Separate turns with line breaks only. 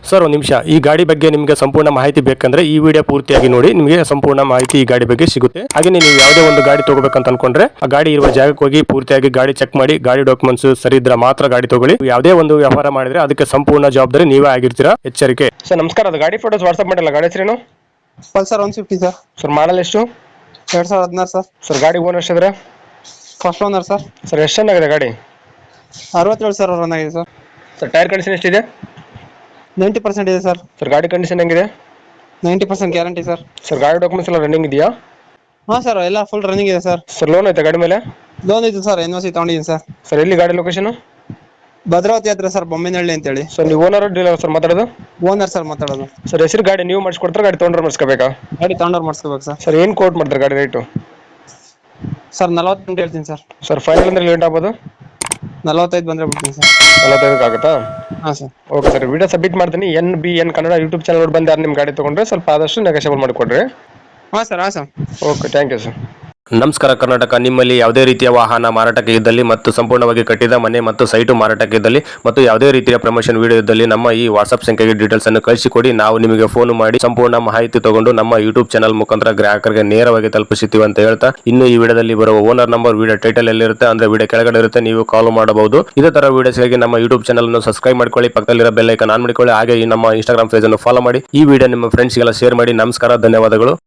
Sir ಒಂದು ನಿಮಿಷ, ಈ ಗಾಡಿ ಬಗ್ಗೆ ನಿಮಗೆ ಸಂಪೂರ್ಣ ಮಾಹಿತಿ ಬೇಕಂದ್ರೆ ಈ ವಿಡಿಯೋ ಪೂರ್ತಿಯಾಗಿ ನೋಡಿ, ನಿಮಗೆ ಸಂಪೂರ್ಣ ಮಾಹಿತಿ ಈ ಗಾಡಿ ಬಗ್ಗೆ ಸಿಗುತ್ತೆ. ಹಾಗೆ ನೀವು ಯಾವುದೇ ಒಂದು ಗಾಡಿ ತಗೋಬೇಕಂತ ಅನ್ಕೊಂಡ್ರೆ ಆ ಗಾಡಿ ಇರುವ ಜಾಗಕ್ಕೆ ಹೋಗಿ ಪೂರ್ತಿಯಾಗಿ ಗಾಡಿ ಚೆಕ್ ಮಾಡಿ, ಗಾಡಿ ಡಾಕ್ಯುಮೆಂಟ್ಸ್ ಸರಿ ಇದ್ರೆ ಮಾತ್ರ ಗಾಡಿ ತಗೊಳ್ಳಿ. ಯಾವುದೇ ಒಂದು ವ್ಯವಹಾರ ಮಾಡಿದ್ರೆ ಅದಕ್ಕೆ ಸಂಪೂರ್ಣ ಜವಾಬ್ದಾರಿ ನೀವೇ ಆಗಿರ್ತೀರಾ, ಎಚ್ಚರಿಕೆ. ಸರ್ ನಮಸ್ಕಾರ, ಅದು ಗಾಡಿ ಫೋಟೋಸ್ ವಾಟ್ಸ್ಆಪ್ ಮಾಡಿಲ್ಲ, ಗಾಡಿ ಹೆಸರೇನು?
Pulsar 150 sir.
ಸರ್ ಮಾಡಲ್ ಎಷ್ಟು?
2016 ಸರ್.
ಸರ್ ಗಾಡಿ ಓನರ್ ಎಷ್ಟಿದ್ರೆ?
First owner sir.
ಸರ್ ಎಷ್ಟು ಚೆನ್ನಾಗಿದೆ ಗಾಡಿ?
67 ಸಾವಿರ ರನ್ ಆಗಿದೆ ಸರ್.
ಸರ್ ಟೈರ್ ಕಂಡೀಷನ್ ಎಷ್ಟಿದೆ?
90% ಇದೆ ಸರ್.
ಸರ್ ಗಾಡಿ ಕಂಡೀಷನ್ ಹೆಂಗಿದೆ?
90% ಗ್ಯಾರಂಟಿ ಸರ್.
ಸರ್ ಗಾಡಿ ಡಾಕ್ಯುಮೆಂಟ್ಸ್ ಎಲ್ಲ ರನ್ನಿಂಗ್ ಇದೆಯಾ?
ಹಾಂ ಸರ್, ಎಲ್ಲ ಫುಲ್ ರನ್ನಿಂಗ್ ಇದೆ ಸರ್.
ಸರ್ ಲೋನ್ ಐತೆ ಗಾಡಿ ಮೇಲೆ?
ಲೋನ್ ಇದೆ ಸರ್, NOC ತಗೊಂಡಿದ್ದೀನಿ ಸರ್.
ಸರ್ ಎಲ್ಲಿ ಗಾಡಿ ಲೊಕೇಶನ್?
ಭದ್ರಾವತಿ ಹತ್ರ ಸರ್, ಬೊಮ್ಮಿನಹಳ್ಳಿ ಅಂತೇಳಿ.
ಸರ್ ನೀವು ಓನರ್ ಡೀಲರ್ ಸರ್ ಮಾತಾಡೋದು?
ಓನರ್ ಸರ್ ಮಾತಾಡೋದು.
ಸರ್ ಹೆಸರು ಗಾಡಿ ನೀವು ಮಾಡಿಸ್ಕೊಡ್ತಾರೆ, ಗಾಡಿ ತೊಗೊಂಡ್ರೆ ಮಾಡಿಸ್ಕೋಬೇಕಾ?
ಗಾಡಿ ತಗೊಂಡವ್ರು ಮಾಡಿಸ್ಕೋಬೇಕು ಸರ್.
ಸರ್ ಏನು ಕೋಟ್ ಮಾಡ್ತಾರೆ ಗಾಡಿ ರೇಟು?
ಸರ್ 40 ಹೇಳ್ತೀನಿ ಸರ್.
ಸರ್ ಫೈನಲ್ ಅಂದ್ರೆ ಲೇಟ್ ಆಗ್ಬೋದು?
45 ಬಂದರೆ ಬಿಡ್ತೀನಿ ಸರ್.
45 ಆಗುತ್ತಾ?
ಹಾಂ sir.
Okay sir, video submit ಮಾಡ್ತೀನಿ. NBN ಕನ್ನಡ ಯೂಟ್ಯೂಬ್ ಚಾನಲ್ ಬಂದು ಯಾರು ನಿಮ್ಮ ಗಾಡಿ ತೊಗೊಂಡ್ರೆ ಸ್ವಲ್ಪ ಆದಷ್ಟು ನೆಗೋಷಿಯಬಲ್ ಮಾಡಿಕೊಡ್ರಿ.
ಹಾಂ ಸರ್. ಹಾಂ sir.
Okay, thank you sir. ನಮಸ್ಕಾರ ಕರ್ನಾಟಕ. ನಿಮ್ಮಲ್ಲಿ ಯಾವುದೇ ರೀತಿಯ ವಾಹನ ಮಾರಾಟಕ್ಕೆ ಇದ್ದಲ್ಲಿ ಮತ್ತು ಸಂಪೂರ್ಣವಾಗಿ ಕಟ್ಟಿದ ಮನೆ ಮತ್ತು ಸೈಟು ಮಾರಾಟಕ್ಕೆ ಇದ್ದಲ್ಲಿ ಮತ್ತು ಯಾವುದೇ ರೀತಿಯ ಪ್ರಮೋಷನ್ ವಿಡಿಯೋ ಇದ್ದಲ್ಲಿ ನಮ್ಮ ಈ ವಾಟ್ಸ್ಆಪ್ ಸಂಖ್ಯೆಗೆ ಡೀಟೇಲ್ಸ್ ಅನ್ನು ಕಳಿಸಿಕೊಡಿ. ನಾವು ನಿಮಗೆ ಫೋನ್ ಮಾಡಿ ಸಂಪೂರ್ಣ ಮಾಹಿತಿ ತಗೊಂಡು ನಮ್ಮ ಯೂಟ್ಯೂಬ್ ಚಾನಲ್ ಮುಖಾಂತರ ಗ್ರಾಹಕರಿಗೆ ನೇರವಾಗಿ ತಲುಪಿಸುತ್ತೀವಿ ಅಂತ ಹೇಳ್ತಾ, ಇನ್ನು ಈ ವಿಡಿಯೋದಲ್ಲಿ ಬರುವ ಓನರ್ ನಂಬರ್ ವಿಡಿಯೋ ಟೈಟಲ್ ಎಲ್ಲಿರುತ್ತೆ ಅಂದ್ರೆ ವಿಡಿಯೋ ಕೆಳಗಡೆ ಇರುತ್ತೆ, ನೀವು ಕಾಲ್ ಮಾಡಬಹುದು. ಇದೇ ತರ ವಿಡಿಯೋಸ್ಗಾಗಿ ನಮ್ಮ ಯೂಟ್ಯೂಬ್ ಚಾನಲ್ ಅನ್ನು ಸಬ್ಸ್ಕ್ರೈಬ್ ಮಾಡ್ಕೊಳ್ಳಿ, ಪಕ್ಕದಲ್ಲಿರೋ ಬೆಲ್ ಐಕಾನ್ ಆನ್ ಮಾಡಿಕೊಳ್ಳಿ. ಹಾಗೆ ಈ ನಮ್ಮ ಇನ್ಸ್ಟಾಗ್ರಾಮ್ ಪೇಜ್ ಅನ್ನು ಫಾಲೋ ಮಾಡಿ. ಈ ವಿಡಿಯೋ ನಿಮ್ಮ ಫ್ರೆಂಡ್ಸ್ಗೆಲ್ಲ ಶೇರ್ ಮಾಡಿ. ನಮಸ್ಕಾರ, ಧನ್ಯವಾದಗಳು.